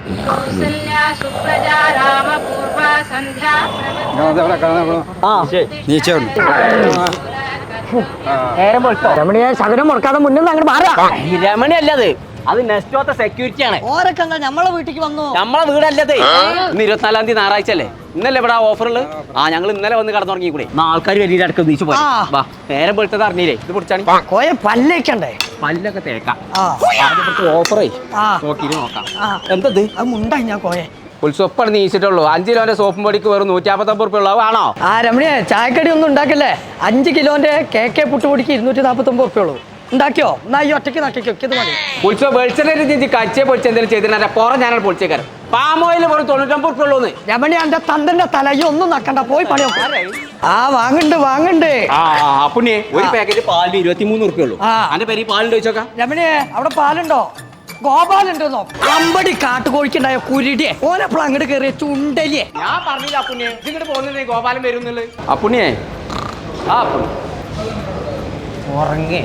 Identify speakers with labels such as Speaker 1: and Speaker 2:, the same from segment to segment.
Speaker 1: രമണിയെ ശകലം മുടക്കാതെ മുന്നിൽ അങ്ങോട്ട് മാറാ.
Speaker 2: രമണി അല്ലത്, അത് നെസ്റ്റോത്തെ സെക്യൂരിറ്റി ആണ്.
Speaker 1: ഓരൊക്കെ എന്താ നമ്മളെ വീട്ടിലേക്ക് വന്നു?
Speaker 2: നമ്മളെ വീടല്ലത്. ഇന്ന് 24-ാം തീയതി ഞായറാഴ്ച അല്ലേ? ഇന്നല്ലേ ഇവിടെ ഓഫറുള്ളത്? ഞങ്ങൾ ഇന്നലെ വന്ന് കടന്നു തുടങ്ങിക്കൂടെ? ആൾക്കാർ വലിയ അടക്കം നീച്ചു പോയി. നേരം വെളുത്തത് അറിഞ്ഞില്ലേ? ഇത് പിടിച്ചാണ്
Speaker 1: കോയ പല്ലേക്കണ്ടേ?
Speaker 2: പല്ലൊക്കെ തേക്കാം. ഓഫറേ നോക്കിയിട്ട് നോക്കാം. എന്തത്
Speaker 1: മുണ്ടായി ഞാൻ കോയെ
Speaker 2: ഉത്സവപ്പാണ് നീച്ചിട്ടുള്ളൂ. 5 കിലോന്റെ സോപ്പും പൊടിക്ക് വെറും 159 ഉറുപ്പിക ഉള്ളൂ. ആണോ?
Speaker 1: രമണിയെ ചായക്കടി ഒന്നും ഉണ്ടാക്കല്ലേ. 5 കിലോന്റെ കേക്ക് പുട്ടുപൊടിക്ക് 249 ഉറുപ്പിക ഉള്ളൂ. ഉണ്ടാക്കിയോ? എന്നാ ഈ ഒറ്റയ്ക്ക് നക്കിക്കോ. ഇത് മതി.
Speaker 2: ഉത്സവം വെളിച്ചെണ്ണ കച്ചേ പൊളിച്ച് എന്തെങ്കിലും ചെയ്തിട്ട് പുറം ഞാനാണ് പൊളിച്ചേക്കാരം. പാമോയിൽ വെറും 99 ഉറുപ്പിക ഉള്ളൂ.
Speaker 1: രമണി എന്റെ തന്തന്റെ തലയോ ഒന്നും നക്കണ്ട, പോയി പണിയോ. വാങ്ങണ്ട്.
Speaker 2: അപ്പുണ്ണിയെ ഒരു പാക്കറ്റ് പാലിന് 23 ഉറുപ്പിക ഉള്ളൂ. അതിന്റെ പേര് പാലുണ്ട് ചോദിച്ചോക്കാം.
Speaker 1: രമണിയെ അവിടെ പാലുണ്ടോ? ഗോപാലുണ്ടോ? അമ്പടി കാട്ടുകോഴിക്കുണ്ടായ കുരുടിയെ ഓനെപ്പോൾ അങ്ങോട്ട് കയറിയ ചുണ്ടലിയെ.
Speaker 2: ഞാൻ പറഞ്ഞില്ല അപ്പുണ്ണിയെ, ഇതിങ്ങോട്ട് പോകുന്നത് ഗോപാലൻ വരുന്നുള്ളത്. അപ്പുണ്ണിയെ ഉറങ്ങേ.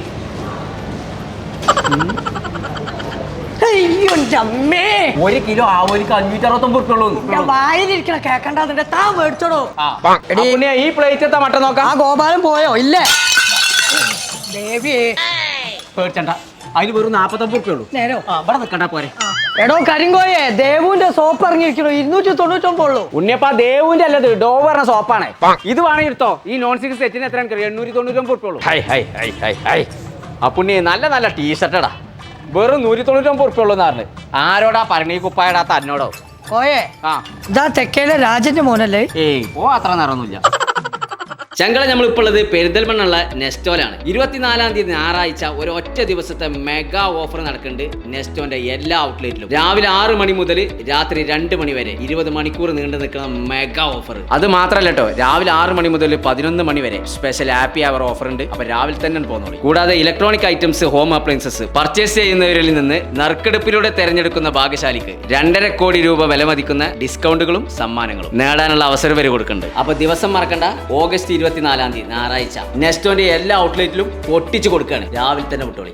Speaker 2: ഒരു കിലോ ആവോലിക്ക് 569 ഉറുപ്പിക ഉള്ളൂ.
Speaker 1: വായിലിരിക്കണ കേക്കണ്ട, അതിന്റെ താ മേടിച്ചോടോ.
Speaker 2: ഈ പ്ലേറ്റ് എത്താ മട്ടൻ നോക്കാം.
Speaker 1: ആ ഗോപാലൻ പോയോ? ഇല്ലേ ദേവിയെ
Speaker 2: പേടിച്ചണ്ട, അതിന് വെറും 49 ഉറുപ്പിക ഉള്ളൂ.
Speaker 1: നേരോ
Speaker 2: ഇവിടെ നിൽക്കണ്ട പോരെ.
Speaker 1: എടോ കരിങ്കോയെ, ദേവുവിന്റെ സോപ്പ് ഇറങ്ങിയിരിക്കണോ? 299 ഉള്ളൂ.
Speaker 2: ഉണ്ണിയപ്പാ ദേവുവിന്റെ അല്ലത്, ഡോവ് പറഞ്ഞ സോപ്പാണ്. ഇത് വേണമെങ്കിൽ എടുത്തോ. ഈ നോൺ സ്റ്റിക് സെറ്റിന് എത്ര 899 ഉറുപ്പിക ഉള്ളൂ. അപ്പുണ്ണി നല്ല നല്ല ടീഷർട്ടടാ, വെറും 199 ഉറുപ്പിക ഉള്ളൂ എന്ന് പറഞ്ഞു. ആരോടാ പറഞ്ഞ ഈ കുപ്പായടാത്ത എന്നോടോ?
Speaker 1: കോയെ ഇതാ തെക്കേലെ രാജന്റെ മോനല്ലേ?
Speaker 2: അത്ര നേരമൊന്നുമില്ല. ചങ്കള നമ്മളിപ്പോൾ ഉള്ളത് പെരിന്തൽമണ്ണുള്ള നെസ്റ്റോലാണ്. 24-ാം തീയതി ഞായറാഴ്ച ഒരു ഒറ്റ ദിവസത്തെ മെഗാ ഓഫർ നടക്കുന്നുണ്ട് നെസ്റ്റോന്റെ എല്ലാ ഔട്ട്ലെറ്റിലും. രാവിലെ 6 മണി മുതൽ രാത്രി 2 മണി വരെ 20 മണിക്കൂർ നീണ്ടു നിൽക്കുന്ന മെഗാ ഓഫർ. അത് മാത്രമല്ല കേട്ടോ, രാവിലെ 6 മണി മുതൽ 11 മണി വരെ സ്പെഷ്യൽ ഹാപ്പി അവർ ഓഫർ ഉണ്ട്. അപ്പൊ രാവിലെ തന്നെ പോകുന്നുള്ളൂ. കൂടാതെ electronic items, home appliances purchase ചെയ്യുന്നവരിൽ നിന്ന് നറുക്കെടുപ്പിലൂടെ തെരഞ്ഞെടുക്കുന്ന ഭാഗ്യശാലിക്ക് 2.5 കോടി രൂപ വില മതിക്കുന്ന ഡിസ്കൗണ്ടുകളും സമ്മാനങ്ങളും നേടാനുള്ള അവസരം വരെ കൊടുക്കുന്നുണ്ട്. അപ്പൊ ദിവസം മറക്കണ്ട, ഓഗസ്റ്റ് 24-ാം തീയതി ഞായറാഴ്ച നെസ്റ്റോന്റെ എല്ലാ ഔട്ട്ലെറ്റിലും പൊട്ടിച്ചു കൊടുക്കുകയാണ്. രാവിലെ തന്നെ വിട്ടോളി.